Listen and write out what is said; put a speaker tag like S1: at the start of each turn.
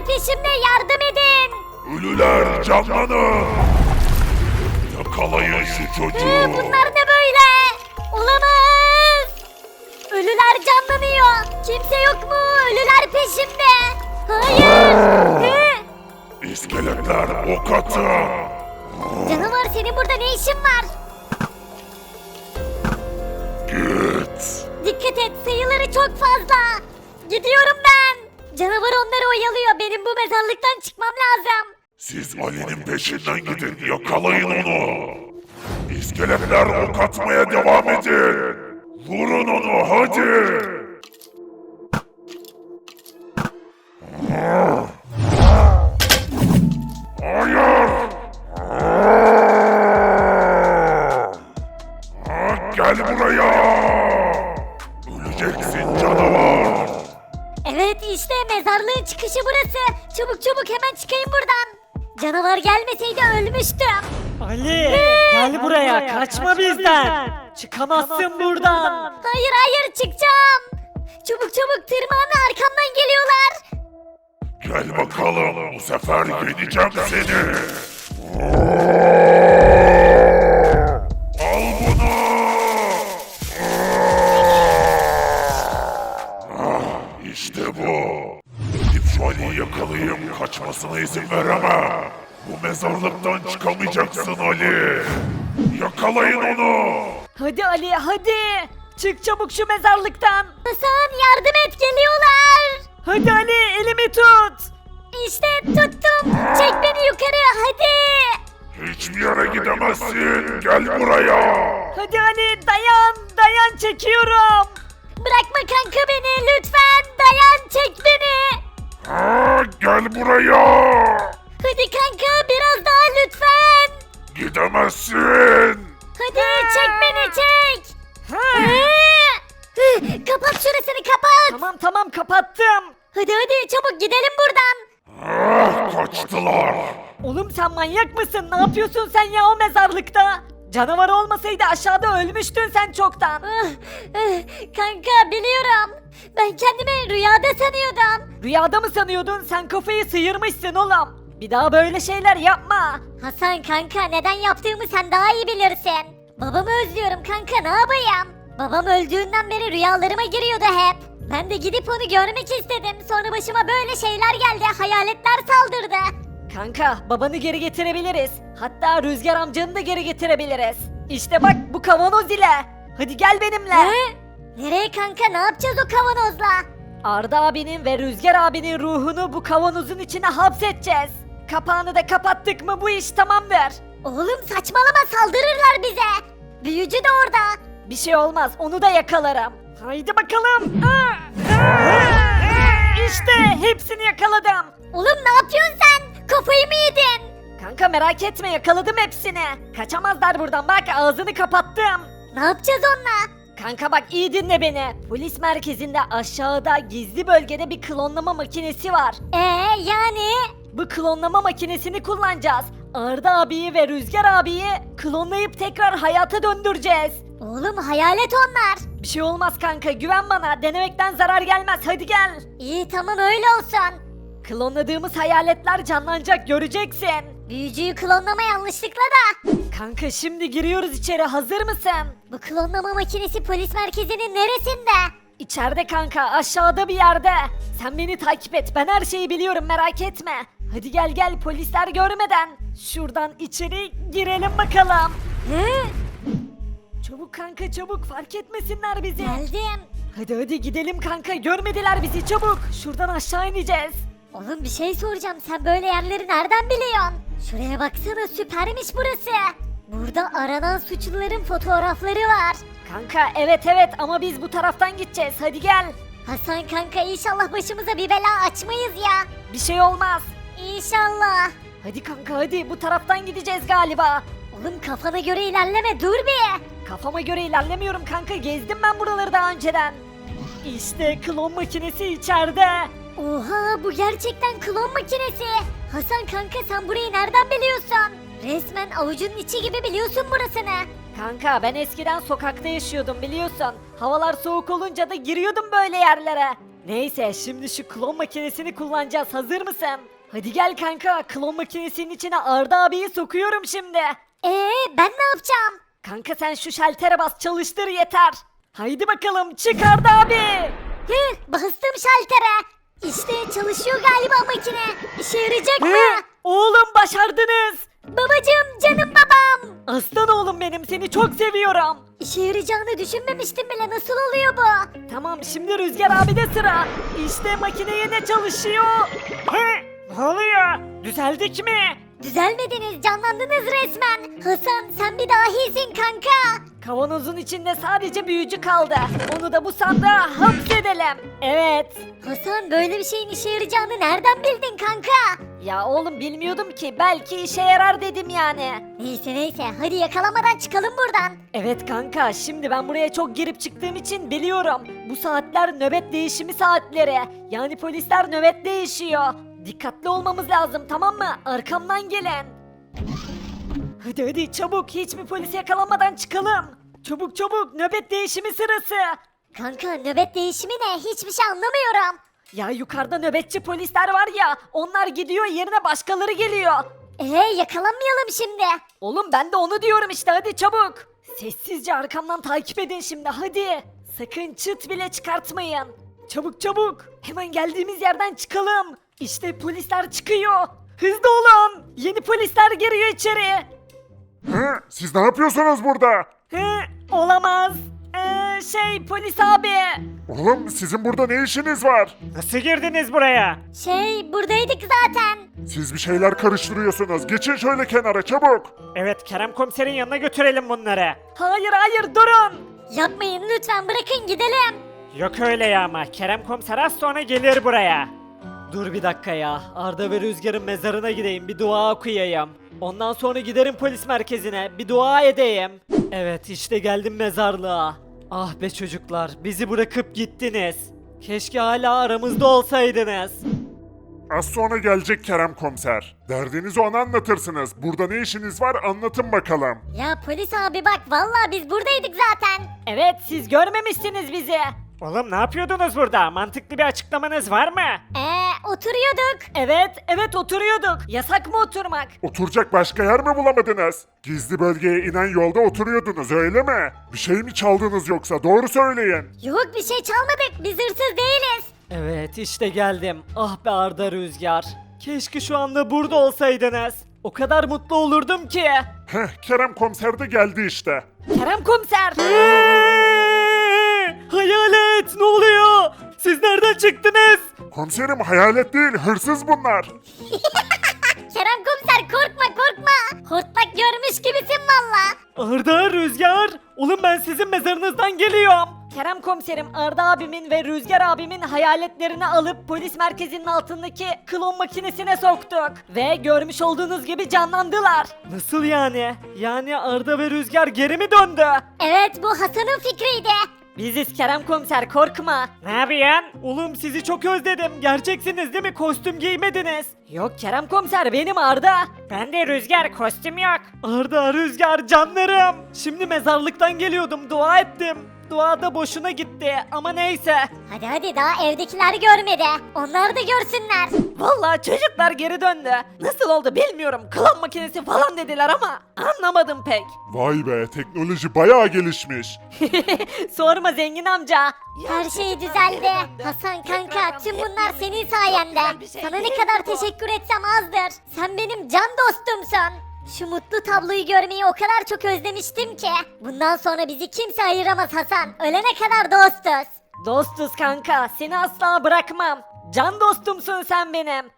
S1: peşimde, yardım edin.
S2: Ölüler canlanın. Yakalayın şu çocuğu.
S1: Bunlar ne böyle? Olamaz. Ölüler canlanıyor. Kimse yok mu? Ölüler peşimde. Hayır.
S2: İskeletler ok atın.
S1: Canavar, senin burada ne işin var?
S2: Git.
S1: Dikkat et, sayıları çok fazla. Gidiyorum ben. Canavar onları oyalıyor. Benim bu mezarlıktan çıkmam lazım.
S2: Siz Ali'nin peşinden gidin. Yakalayın onu. İskeletler ok atmaya devam edin. Vurun onu hadi. Hayır. Gel buraya. Öleceksin canavar.
S1: Evet, işte mezarlığın çıkışı burası. Çabuk çabuk hemen çıkayım buradan. Canavar gelmeseydi ölmüştüm.
S3: Ali gel buraya, kaçma bizden. Çıkamazsın buradan.
S1: Hayır hayır, çıkacağım. Çabuk çabuk tırmanın, arkamdan geliyorlar.
S2: Gel bakalım, bu sefer yeneceğim seni. Al bunu. İşte bu. Gidip şu Ali'yi yakalayayım, kaçmasına izin veremem. Bu mezarlıktan çıkamayacaksın Ali. Yakalayın onu.
S3: Hadi Ali hadi. Çık çabuk şu mezarlıktan.
S1: Hasan, yardım et, geliyorlar.
S3: Hadi Ali elimi tut.
S1: İşte tuttum. Çek beni yukarı, hadi.
S2: Hiçbir yere gidemezsin. Gel buraya.
S3: Hadi Ali dayan çekiyorum.
S1: Bırakma kanka beni, lütfen. Dayan, çek beni.
S2: Gel buraya.
S1: Hadi kanka, biraz daha lütfen.
S2: Gidemezsin.
S1: Hadi çek beni, çek. Kapat şurasını, kapat.
S3: Tamam kapattım.
S1: Hadi hadi çabuk gidelim buradan.
S2: Kaçtılar.
S3: Oğlum sen manyak mısın? Ne yapıyorsun sen ya o mezarlıkta? Canavar olmasaydı aşağıda ölmüştün sen çoktan.
S1: Kanka biliyorum. Ben kendimi rüyada sanıyordum.
S3: Rüyada mı sanıyordun? Sen kafayı sıyırmışsın oğlum. Bir daha böyle şeyler yapma.
S1: Hasan kanka, neden yaptığımı sen daha iyi bilirsin. Babamı özlüyorum kanka, ne yapayım? Babam öldüğünden beri rüyalarıma giriyordu hep. Ben de gidip onu görmek istedim. Sonra başıma böyle şeyler geldi. Hayaletler saldırdı.
S3: Kanka babanı geri getirebiliriz. Hatta Rüzgar amcanı da geri getirebiliriz. İşte bak bu kavanoz ile. Hadi gel benimle.
S1: Nereye kanka, ne yapacağız o kavanozla?
S3: Arda abinin ve Rüzgar abinin ruhunu bu kavanozun içine hapsedeceğiz. Kapağını da kapattık mı bu iş tamamdır.
S1: Oğlum saçmalama, saldırırlar bize. Büyücü de orada.
S3: Bir şey olmaz onu da yakalarım. Haydi bakalım. İşte hepsini yakaladım.
S1: Oğlum ne yapıyorsun sen? Kafayı mı yedin?
S3: Kanka merak etme yakaladım hepsini. Kaçamazlar buradan bak ağzını kapattım.
S1: Ne yapacağız onunla?
S3: Kanka bak iyi dinle beni. Polis merkezinde aşağıda gizli bölgede bir klonlama makinesi var.
S1: Yani?
S3: Bu klonlama makinesini kullanacağız. Arda abiyi ve Rüzgar abiyi klonlayıp tekrar hayata döndüreceğiz.
S1: Oğlum hayalet onlar.
S3: Bir şey olmaz kanka güven bana. Denemekten zarar gelmez hadi gel.
S1: İyi tamam, öyle olsun.
S3: Klonladığımız hayaletler canlanacak göreceksin.
S1: Büyücüyü klonlama yanlışlıkla da.
S3: Kanka şimdi giriyoruz içeri hazır mısın?
S1: Bu klonlama makinesi polis merkezinin neresinde?
S3: İçeride kanka aşağıda bir yerde. Sen beni takip et ben her şeyi biliyorum merak etme. Hadi gel polisler görmeden. Şuradan içeri girelim bakalım. Çabuk kanka çabuk fark etmesinler bizi.
S1: Geldim.
S3: Hadi gidelim kanka görmediler bizi çabuk. Şuradan aşağı ineceğiz.
S1: Oğlum bir şey soracağım, sen böyle yerleri nereden biliyorsun? Şuraya baksana, süpermiş burası. Burada aranan suçluların fotoğrafları var.
S3: Kanka evet ama biz bu taraftan gideceğiz hadi gel.
S1: Hasan kanka, inşallah başımıza bir bela açmayız ya.
S3: Bir şey olmaz.
S1: İnşallah.
S3: Hadi kanka hadi bu taraftan gideceğiz galiba.
S1: Oğlum kafana göre ilerleme, dur bir.
S3: Kafama göre ilerlemiyorum kanka gezdim ben buraları daha önceden. İşte klon makinesi içeride.
S1: Oha, bu gerçekten klon makinesi. Hasan kanka, sen burayı nereden biliyorsun? Resmen avucunun içi gibi biliyorsun burasını.
S3: Kanka ben eskiden sokakta yaşıyordum biliyorsun. Havalar soğuk olunca da giriyordum böyle yerlere. Neyse şimdi şu klon makinesini kullanacağız. Hazır mısın? Hadi gel kanka. Klon makinesinin içine Arda abiyi sokuyorum şimdi.
S1: Ben ne yapacağım?
S3: Kanka sen şu şaltere bas, çalıştır yeter. Haydi bakalım çık Arda abi.
S1: Bastım şaltere. İşte çalışıyor galiba makine. İşe yarayacak mı?
S3: Oğlum başardınız.
S1: Babacım, canım babam.
S3: Aslan oğlum benim, seni çok seviyorum.
S1: İşe yarayacağını düşünmemiştim bile. Nasıl oluyor bu?
S3: Tamam şimdi Rüzgar abi de sıra. İşte makine yine çalışıyor. Ne oluyor? Düzeldik mi?
S1: Düzelmediniz, canlandınız resmen. Hasan, sen bir dahisin kanka.
S3: Kavanozun içinde sadece büyücü kaldı. Onu da bu sandığa hapsedelim. Evet.
S1: Hasan, böyle bir şeyin işe yarayacağını nereden bildin kanka?
S3: Ya oğlum bilmiyordum ki, belki işe yarar dedim yani.
S1: Neyse, hadi yakalamadan çıkalım buradan.
S3: Evet kanka, şimdi ben buraya çok girip çıktığım için biliyorum. Bu saatler nöbet değişimi saatleri. Yani polisler nöbet değişiyor. Dikkatli olmamız lazım, tamam mı? Arkamdan gelin. Hadi çabuk, hiçbir polis yakalanmadan çıkalım. Çabuk nöbet değişimi sırası.
S1: Kanka, nöbet değişimi ne? Hiçbir şey anlamıyorum.
S3: Ya yukarıda nöbetçi polisler var ya, onlar gidiyor, yerine başkaları geliyor.
S1: Yakalanmayalım şimdi.
S3: Oğlum ben de onu diyorum işte, hadi çabuk. Sessizce arkamdan takip edin şimdi, hadi. Sakın çıt bile çıkartmayın. Çabuk. Hemen geldiğimiz yerden çıkalım. İşte polisler çıkıyor. Hızlı olun. Yeni polisler giriyor içeri.
S2: Hı? Siz ne yapıyorsunuz burada?
S3: Olamaz. Polis abi.
S2: Oğlum sizin burada ne işiniz var?
S4: Nasıl girdiniz buraya?
S1: Buradaydık zaten.
S2: Siz bir şeyler karıştırıyorsunuz. Geçin şöyle kenara çabuk.
S4: Evet, Kerem komiserin yanına götürelim bunları.
S3: Hayır durun.
S1: Yapmayın lütfen, bırakın gidelim.
S4: Yok öyle ya, ama Kerem komiser az sonra gelir buraya.
S3: Dur bir dakika ya. Arda ve Rüzgar'ın mezarına gideyim, bir dua okuyayım. Ondan sonra giderim polis merkezine, bir dua edeyim. Evet, işte geldim mezarlığa. Ah be çocuklar, bizi bırakıp gittiniz. Keşke hala aramızda olsaydınız.
S2: Az sonra gelecek Kerem komiser. Derdinizi ona anlatırsınız. Burada ne işiniz var anlatın bakalım.
S1: Ya polis abi bak, vallahi biz buradaydık zaten.
S3: Evet, siz görmemişsiniz bizi.
S4: Oğlum ne yapıyordunuz burada? Mantıklı bir açıklamanız var mı?
S1: Oturuyorduk.
S3: Evet oturuyorduk. Yasak mı oturmak?
S2: Oturacak başka yer mi bulamadınız? Gizli bölgeye inen yolda oturuyordunuz öyle mi? Bir şey mi çaldınız yoksa doğru söyleyin.
S1: Yok, bir şey çalmadık, biz hırsız değiliz.
S3: Evet, işte geldim. Ah be Arda, Rüzgar. Keşke şu anda burada olsaydınız. O kadar mutlu olurdum ki.
S2: Kerem komiser de geldi işte.
S3: Kerem komiser. Hayalet, ne oluyor? Siz nereden çıktınız?
S2: Komiserim hayalet değil hırsız bunlar.
S1: Kerem komiser, korkma. Hortlak görmüş gibisin valla.
S3: Arda, Rüzgar. Oğlum ben sizin mezarınızdan geliyorum. Kerem komiserim, Arda abimin ve Rüzgar abimin hayaletlerini alıp polis merkezinin altındaki klon makinesine soktuk. Ve görmüş olduğunuz gibi canlandılar. Nasıl yani? Yani Arda ve Rüzgar geri mi döndü?
S1: Evet, bu Hasan'ın fikriydi.
S3: Biziz Kerem komiser, korkma.
S4: Ne yapıyorsun?
S3: Oğlum sizi çok özledim. Gerçeksiniz değil mi? Kostüm giymediniz. Yok Kerem komiser, benim Arda.
S4: Ben de Rüzgar, kostüm yok.
S3: Arda, Rüzgar, canlarım. Şimdi mezarlıktan geliyordum, dua ettim. Dua da boşuna gitti ama neyse.
S1: Hadi daha evdekiler görmedi. Onlar da görsünler.
S3: Vallahi çocuklar geri döndü. Nasıl oldu bilmiyorum. Klon makinesi falan dediler ama anlamadım pek.
S2: Vay be teknoloji bayağı gelişmiş.
S3: Sorma zengin amca.
S1: Her şey düzeldi. Hasan kanka, tüm bunlar senin sayende. Sana ne kadar teşekkür etsem azdır. Sen benim can dostumsun. Şu mutlu tabloyu görmeyi o kadar çok özlemiştim ki. Bundan sonra bizi kimse ayıramaz Hasan. Ölene kadar dostuz.
S3: Dostuz kanka, seni asla bırakmam. Can dostumsun sen benim.